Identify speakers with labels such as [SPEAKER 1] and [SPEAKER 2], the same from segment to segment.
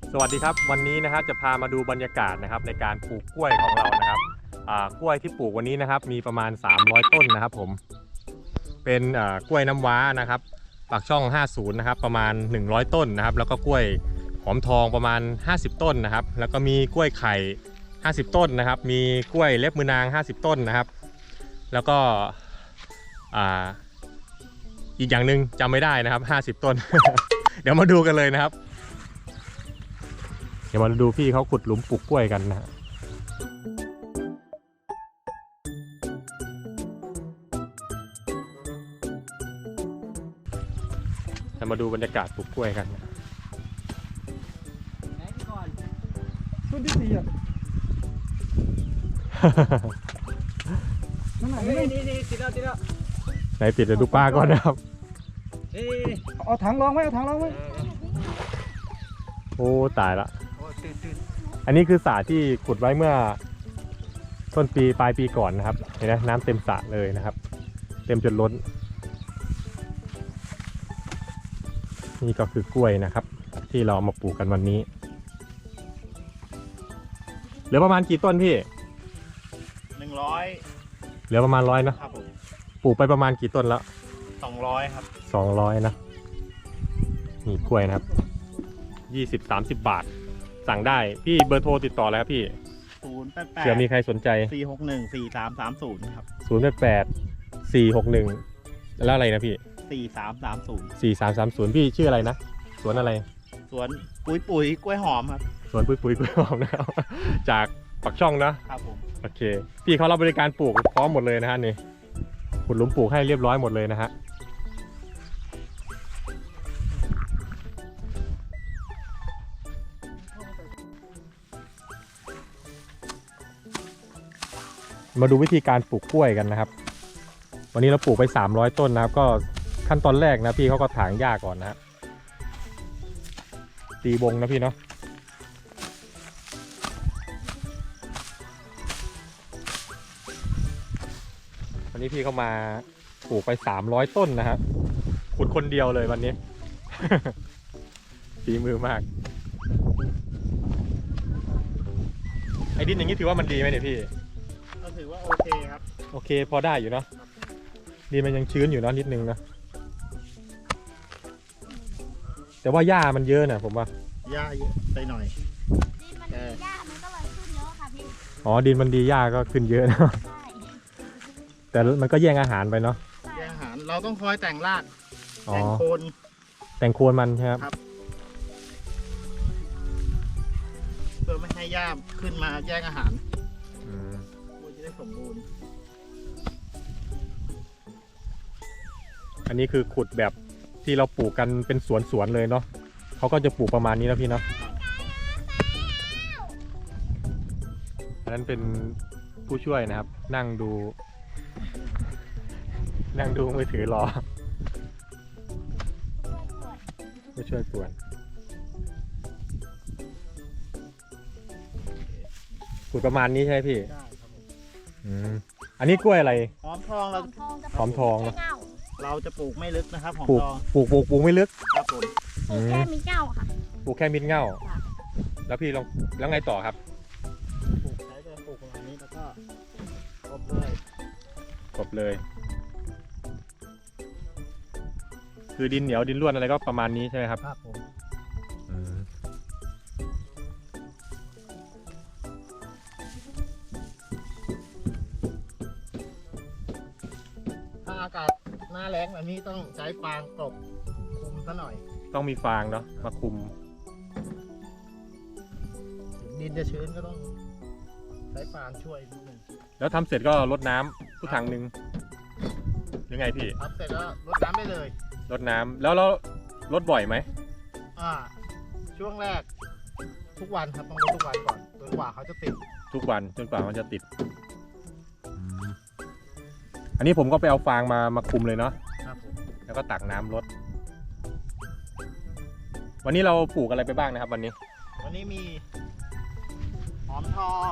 [SPEAKER 1] สวัสดีครับวันนี้นะครับจะพามาดูบรรยากาศนะครับในการปลูกกล้วยของเรานะครับกล้วยที่ปลูกวันนี้นะครับมีประมาณ300ต้นนะครับผมเป็นกล้วยน้ำว้านะครับปากช่อง50นะครับประมาณ100ต้นนะครับแล้วก็กล้วยหอมทองประมาณ50ต้นนะครับแล้วก็มีกล้วยไข่50ต้นนะครับมีกล้วยเล็บมือนาง50ต้นนะครับแล้วก็อีกอย่างหนึ่งจำไม่ได้นะครับ50ต้น เดี๋ยวมาดูกันเลยนะครับเดี๋ยวมาดูพี่เขาขุดหลุมปลูกกล้วยกันนะฮะจะมาดูบรรยากาศปลูกกล้วยกันนะ
[SPEAKER 2] ไหนก่อน
[SPEAKER 3] ต้นที่4อ่ะนั่นไหน
[SPEAKER 2] นี่ติดแล้ว
[SPEAKER 1] ไหนติดเดี๋ยวดูป้าก่อนนะครับ
[SPEAKER 2] นี่
[SPEAKER 3] เอาถังรองไว้เอาถังรองไว้
[SPEAKER 1] โอ้ตายละ
[SPEAKER 2] โอ้ตื่น
[SPEAKER 1] อันนี้คือสระที่ขุดไว้เมื่อต้นปีปลายปีก่อนนะครับเห็นไหมน้ำเต็มสระเลยนะครับเต็มจนล้นนี่ก็คือกล้วยนะครับที่เราเอามาปลูกกันวันนี้เหลือประมาณกี่ต้นพี่
[SPEAKER 2] 100
[SPEAKER 1] เหลือประมาณ100นะครับ
[SPEAKER 2] ผม
[SPEAKER 1] ปลูกไปประมาณกี่ต้นแล้ว
[SPEAKER 2] 200ครับ
[SPEAKER 1] 200นะนี่กล้วยนะครับ20-30 บาทสั่งได้พี่เบอร์โทรติดต่อแล้วครับพี่
[SPEAKER 2] 088
[SPEAKER 1] เผื่อมีใครสนใจ
[SPEAKER 2] 461 4330ครับ
[SPEAKER 1] 088 461แล้วอะไรนะพี่
[SPEAKER 2] 4330
[SPEAKER 1] 4330พี่ชื่ออะไรนะสวนอะไร
[SPEAKER 2] สวนปุ๋ยกล้วยหอมครับ
[SPEAKER 1] สวนปุ๋ยกล้วยหอมนะครับ จากปักช่องนะครับ
[SPEAKER 2] ผม
[SPEAKER 1] โอเคพี่เขารับบริการปลูกพร้อมหมดเลยนะฮะนี่ขุดหลุมปลูกให้เรียบร้อยหมดเลยนะฮะมาดูวิธีการปลูกกล้วยกันนะครับวันนี้เราปลูกไป300ต้นนะครับก็ขั้นตอนแรกนะพี่เขาก็ถางหญ้าก่อนนะฮะตีวงนะพี่เนาะวันนี้พี่เขามาปลูกไป300ต้นนะครับขุดคนเดียวเลยวันนี้ ฝีมือมากไอ้ดินอย่างนี้ถือว่ามันดีไหมเนี่ยพี่
[SPEAKER 2] ก็ถือว่าโอเคครับ
[SPEAKER 1] โอเคพอได้อยู่เนาะดินมันยังชื้นอยู่เนาะนิดนึงนะแต่ว่าหญ้ามันเยอะนะผมว่า
[SPEAKER 2] หญ้าเยอะไปหน่อย
[SPEAKER 4] ดินมันดีหญ้ามันก็เลยขึ้นเยอะค่ะพี่
[SPEAKER 1] อ๋อดินมันดีหญ้าก็ขึ้นเยอะนะแต่มันก็แย่งอาหารไปเนาะ
[SPEAKER 2] แย่งอาหารเราต้องคอยแต่งรากแต่งโคน
[SPEAKER 1] แต่งโคนมันใช่ครับ
[SPEAKER 2] เพื่อไม่ให้หญ้าขึ้นมาแย่งอาหารมันจะได้สมบูรณ์
[SPEAKER 1] อันนี้คือขุดแบบที่เราปลูกกันเป็นสวนเลยเนาะเขาก็จะปลูกประมาณนี้นะพี่เนาะอันนั้นเป็นผู้ช่วยนะครับนั่งดูมือถือรอผู้ช่วยสวนขุดประมาณนี้ใช่ไหมพี่
[SPEAKER 2] ได้ครับผม
[SPEAKER 1] อันนี้กล้วยอะไร
[SPEAKER 2] หอมทองเรา
[SPEAKER 1] หอมทอง
[SPEAKER 2] เราจะปลูกไม่ลึกนะครับหอมทอง
[SPEAKER 1] ปลูกไม่ลึก
[SPEAKER 2] ครับผม
[SPEAKER 4] ปลูกแค่มิดเง่าค่ะ
[SPEAKER 1] ปลูกแค่มิดเง่าแล้วพี่ลองแล้วไงต่อครับ
[SPEAKER 2] ปลูกใช้ไปปลูกประมาณนี้แล้วก็กบเลย
[SPEAKER 1] คือดินเหนียวดินร่วนอะไรก็ประมาณนี้ใช่ไหมครับ
[SPEAKER 2] ครับผมถ้าอากาศหน้าแล้งแบบนี้ต้องใช้ฟางกลบคุมซะหน่อย
[SPEAKER 1] ต้องมีฟางเนาะมาคุม
[SPEAKER 2] ดินจะชื้นก็ต้องใช้ฟางช่วยนิดนึง
[SPEAKER 1] แล้วทำเสร็จก็รดน้ำทุกถังหนึ่งหรือไงพี่
[SPEAKER 2] ทำเสร็จแล้วรดน้ำได้เลย
[SPEAKER 1] รดน้ำแล้วรดบ่อยไหม
[SPEAKER 2] ช่วงแรกทุกวันครับต้องรดทุกวันก่อนจนกว่าเขาจะติด
[SPEAKER 1] ทุกวันจนกว่ามันจะติดอันนี้ผมก็ไปเอาฟางมาคุมเลยเนาะ
[SPEAKER 2] ครับผม
[SPEAKER 1] แล้วก็ตักน้ำรดวันนี้เราปลูกอะไรไปบ้างนะครับวันนี้
[SPEAKER 2] มีหอมทอง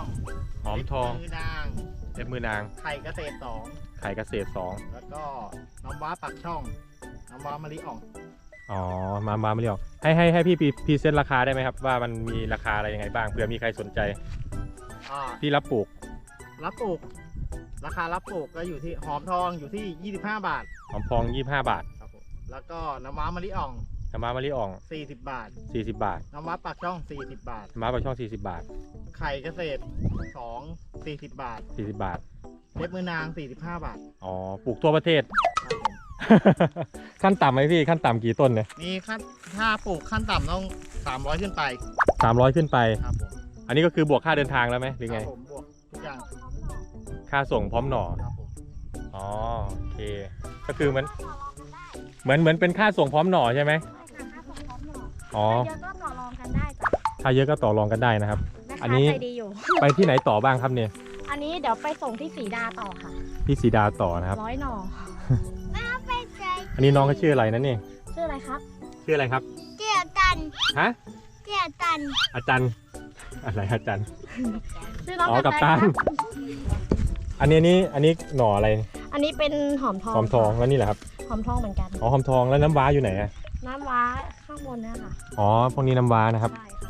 [SPEAKER 1] เล็บมือนาง
[SPEAKER 2] ไข่เกษตร2
[SPEAKER 1] แล้วก็
[SPEAKER 2] น้ำว้าปักช่องน้ำว้ามะลิอ่อง
[SPEAKER 1] อ๋อมาไม่เรียกให้พี่พรีเซนต์ราคาได้ไหมครับว่ามันมีราคาอะไรยังไงบ้างเผื่อมีใครสนใจ
[SPEAKER 2] อ่า
[SPEAKER 1] ที่รับปลูก
[SPEAKER 2] รับปลูกราคารับปลูกก็อยู่ที่หอมทองอยู่ที่ 25 บาท
[SPEAKER 1] หอมพอง25 บาท
[SPEAKER 2] ครับผมแล้วก็น้ำว้ามะลิอ่อง
[SPEAKER 1] น้ำม้ามะลิอ่อง
[SPEAKER 2] 40 บาท
[SPEAKER 1] 40 บาท
[SPEAKER 2] น้ำว้าปากช่อง 40 บาท
[SPEAKER 1] น้ำม้าปากช่อง40 บาท
[SPEAKER 2] ไข่เกษตร2 40 บาท
[SPEAKER 1] 40 บาท
[SPEAKER 2] เล็บมือนาง 45 บาท
[SPEAKER 1] อ๋อปลูกทั่วประเทศ
[SPEAKER 2] ครับผม
[SPEAKER 1] ขั้นต่ำไหมพี่ขั้นต่ำกี่ต้นเนี่ย
[SPEAKER 2] นี่ขั้นถ้าปลูกขั้นต่ำต้อง 300 ขึ้นไป
[SPEAKER 1] 300 ขึ้นไป
[SPEAKER 2] ครับผม
[SPEAKER 1] อันนี้ก็คือบวกค่าเดินทางแล้วไหมหรือ
[SPEAKER 2] ค
[SPEAKER 1] ไง
[SPEAKER 2] รับผมบวกทุกอย่าง
[SPEAKER 1] ค่าส่งพร้อมหน่อ
[SPEAKER 2] ครับผม
[SPEAKER 1] อ๋อโอเคก็คือมันเหมือนเป็นค่าส่งพร้อมหน่อใช่ไหม อ๋อ
[SPEAKER 4] เยอะก็ต่อรองกันได้จ้ะ
[SPEAKER 1] ถ้าเยอะก็ต่อรองกันได้นะครับ
[SPEAKER 4] แม่
[SPEAKER 1] อัน
[SPEAKER 4] ค้า
[SPEAKER 1] นี้
[SPEAKER 4] ใจดีอยู่
[SPEAKER 1] ไปที่ไหนต่อบ้างครับเนี่ย
[SPEAKER 4] อันนี้เดี๋ยวไปส่งที่สีดาต่อค่ะ
[SPEAKER 1] ที่สีดาต่อนะครับ
[SPEAKER 4] 100 หน่อ
[SPEAKER 1] อันนี้น้องเขาชื่ออะไรนะนี่
[SPEAKER 4] ชื่ออะไรครับ
[SPEAKER 1] ชื่ออะไรครับ
[SPEAKER 4] เจียตัน
[SPEAKER 1] ฮะ
[SPEAKER 4] เจียตัน
[SPEAKER 1] อาจารย์อะไรอาจารย์
[SPEAKER 4] ชื่อน้อง
[SPEAKER 1] อ๋อ
[SPEAKER 4] กั
[SPEAKER 1] กั
[SPEAKER 4] บบ ตั
[SPEAKER 1] ตั
[SPEAKER 4] น
[SPEAKER 1] นอันนี้หน่ออะไร
[SPEAKER 4] อันนี้เป็นหอมทอง
[SPEAKER 1] หอมทองแล้วนี่แหละครับ
[SPEAKER 4] หอมทองเหมือนกัน
[SPEAKER 1] อ๋อหอมทองแล้วน้ำว้าอยู่ไหนอะ
[SPEAKER 4] น้ำว้าข้างบนเนี่ยค่ะ
[SPEAKER 1] อ๋อพวกนี้น้ำว้านะครับ
[SPEAKER 4] ใช่ค่ะ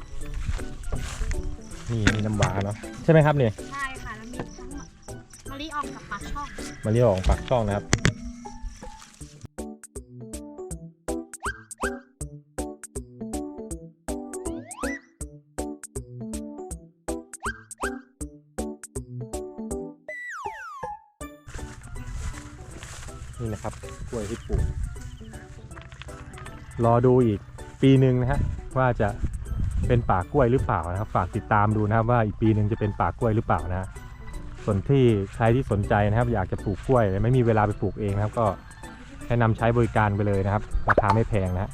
[SPEAKER 1] นี่น้ำว้าเนาะใช่ไหมครับเนี่ย
[SPEAKER 4] ใช่ค่ะแล้วมีทั้งมะลิอ่องกับปลาช่อง
[SPEAKER 1] มาเรียกของปากช่องนะครับนี่นะครับกล้วยที่ปลูกรอดูอีกปีหนึ่งนะฮะว่าจะเป็นป่ากล้วยหรือเปล่านะครับฝากติดตามดูนะครับว่าอีกปีหนึ่งจะเป็นป่ากล้วยหรือเปล่านะส่วนที่ใครที่สนใจนะครับอยากจะปลูกกล้วยแต่ไม่มีเวลาไปปลูกเองนะครับก็แนะนำใช้บริการไปเลยนะครับราคาไม่แพงนะฮะ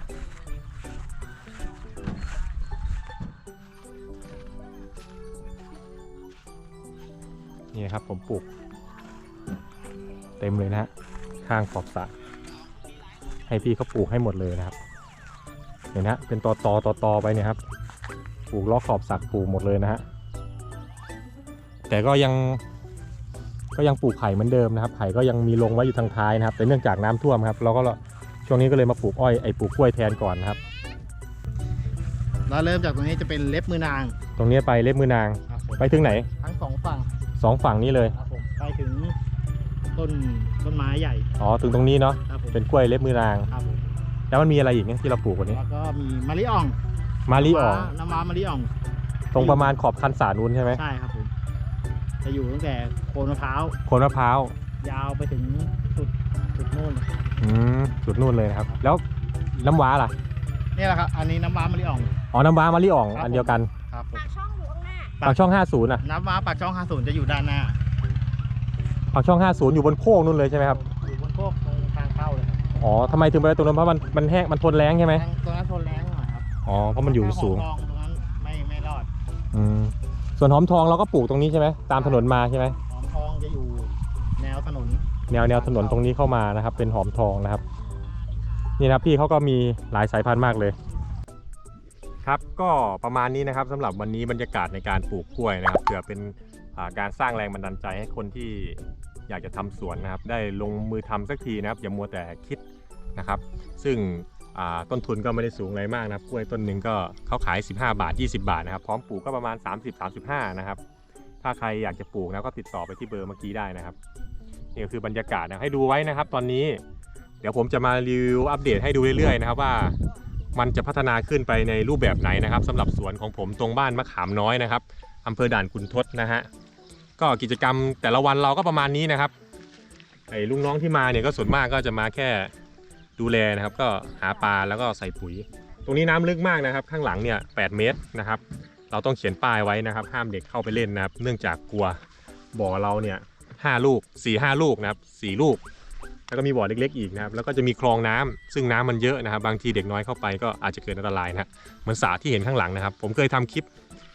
[SPEAKER 1] นี่ครับผมปลูกเต็มเลยนะฮะข้างขอบสระให้พี่เขาปลูกให้หมดเลยนะครับเห็นนะเป็นตอไปเนี่ยครับปลูกล้อขอบสระปลูกหมดเลยนะฮะแต่ก็ยังปลูกไผ่เหมือนเดิมนะครับไผ่ก็ยังมีลงไว้อยู่ทางท้ายนะครับแต่เนื่องจากน้ำท่วมครับเราก็ช่วงนี้ก็เลยมาปลูกปลูกกล้วยแทนก่อนนะครับ
[SPEAKER 2] แล้วเริ่มจากตรงนี้จะเป็นเล็บมือนาง
[SPEAKER 1] ตรงนี้ไปเล็บมือนาง
[SPEAKER 2] ครับผม
[SPEAKER 1] ไปถึงไหน
[SPEAKER 2] ทั้งสองฝั่ง
[SPEAKER 1] 2 ฝั่งนี้เลย
[SPEAKER 2] ครับผมไปถึงต้นไม้ใหญ่
[SPEAKER 1] อ๋อถึงตรงนี้เนาะ
[SPEAKER 2] ครับผม
[SPEAKER 1] เป็นกล้วยเล็บมือนาง
[SPEAKER 2] ครับผม
[SPEAKER 1] แล้วมันมีอะไรอีกเนี่ยที่เราปลูกวันนี้
[SPEAKER 2] แล้วก็มีมะลิอ่อง
[SPEAKER 1] มาลีอ่อง
[SPEAKER 2] น้ำว้ามะลิอ่อง
[SPEAKER 1] ตรงประมาณขอบคันสานู้นใช่ไหม
[SPEAKER 2] ใช่ครับผมจะอยู่ตั้งแต่โคนมะพร้าว
[SPEAKER 1] โคนมะพร้าวย
[SPEAKER 2] าวไปถึงจุดนู่น
[SPEAKER 1] จุดนู่นเลยนะครับแล้วน้ำว้าล่ะ
[SPEAKER 2] นี่แหละครับอันนี้น้ำว้ามะลิอ่อง
[SPEAKER 1] อ๋อน้ำว้ามาลีอ่อง
[SPEAKER 2] ครับ
[SPEAKER 1] อันเดียวกัน
[SPEAKER 2] ครับผม
[SPEAKER 4] ปากช่องอยู่ข้างหน้า
[SPEAKER 1] ปากช่อง50น่ะ
[SPEAKER 2] น้ำว้าปากช่อง50จะอยู่ด้านหน้า
[SPEAKER 1] ปากช่อง50อยู่บนโค้งนู่นเลยใช่ไหมครับ
[SPEAKER 2] อยู่บนโคกตรงทางเข้าเลยครับ
[SPEAKER 1] อ๋อทำไมถึงไปตรงนั้นเพราะมันแห้งมันทนแรงใช่ไหม
[SPEAKER 2] ตรงนั้นทนแรงหน่อยครับ
[SPEAKER 1] อ๋อเพราะมันอยู่สูง
[SPEAKER 2] ถ้าหอมทองตรงนั้นไม่รอด
[SPEAKER 1] ส่วนหอมทองเราก็ปลูกตรงนี้ใช่ไหมตามถนนมาใช่ไหม
[SPEAKER 2] หอมทองจะอยู่แนวถนน
[SPEAKER 1] แนวถนนตรงนี้เข้ามานะครับเป็นหอมทองนะครับนี่นะครับพี่เขาก็มีหลายสายพันธุ์มากเลยครับก็ประมาณนี้นะครับสำหรับวันนี้บรรยากาศในการปลูกกล้วยนะครับเผื่อเป็นการสร้างแรงบันดาลใจให้คนที่อยากจะทำสวนนะครับได้ลงมือทำสักทีนะครับอย่ามัวแต่คิดนะครับซึ่งต้นทุนก็ไม่ได้สูงอะไรมากนะครับกล้วยต้นหนึ่งก็เขาขาย15 บาท 20 บาทนะครับพร้อมปลูกก็ประมาณ 30-35 นะครับถ้าใครอยากจะปลูกนะก็ติดต่อไปที่เบอร์เมื่อกี้ได้นะครับนี่ก็คือบรรยากาศนะให้ดูไว้นะครับตอนนี้เดี๋ยวผมจะมารีวิวอัปเดตให้ดูเรื่อยๆนะครับว่ามันจะพัฒนาขึ้นไปในรูปแบบไหนนะครับสำหรับสวนของผมตรงบ้านมะขามน้อยนะครับอำเภอด่านขุนทดนะฮะก็กิจกรรมแต่ละวันเราก็ประมาณนี้นะครับไอ้ลุงน้องที่มาเนี่ยก็ส่วนมากก็จะมาแค่ดูแลนะครับก็หาปลาแล้วก็ใส่ปุ๋ยตรงนี้น้ำลึกมากนะครับข้างหลังเนี่ย8 เมตรนะครับเราต้องเขียนป้ายไว้นะครับห้ามเด็กเข้าไปเล่นนะครับเนื่องจากกลัวบ่อเราเนี่ย5 ลูก 4-5 ลูกนะครับ4 ลูกแล้วก็มีบ่อเล็กๆอีกนะครับแล้วก็จะมีคลองน้ำซึ่งน้ำมันเยอะนะครับบางทีเด็กน้อยเข้าไปก็อาจจะเกิดอันตรายนะเหมือนสระที่เห็นข้างหลังนะครับผมเคยทำคลิป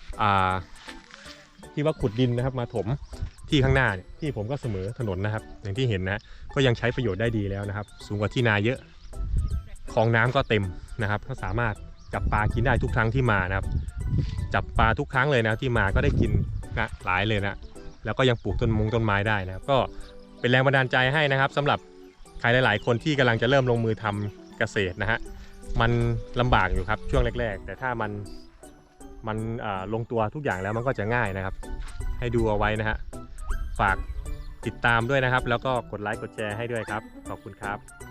[SPEAKER 1] ที่ว่าขุดดินนะครับมาถมที่ข้างหน้าเนี่ยที่ผมก็เสมอถนนนะครับอย่างที่เห็นนะก็ยังใช้ประโยชน์ได้ดีแล้วนะครับสูงกว่าที่นาเยอะคลองน้ำก็เต็มนะครับก็สามารถจับปลากินได้ทุกครั้งที่มานะครับจับปลาทุกครั้งเลยนะที่มาก็ได้กินนะหลายเลยนะแล้วก็ยังปลูกต้นไม้ได้นะครับก็เป็นแรงบันดาลใจให้นะครับสำหรับใครหลายๆคนที่กำลังจะเริ่มลงมือทำเกษตรนะฮะมันลำบากอยู่ครับช่วงแรกๆแต่ถ้ามันลงตัวทุกอย่างแล้วมันก็จะง่ายนะครับให้ดูเอาไว้นะฮะฝากติดตามด้วยนะครับแล้วก็กดไลค์กดแชร์ให้ด้วยครับขอบคุณครับ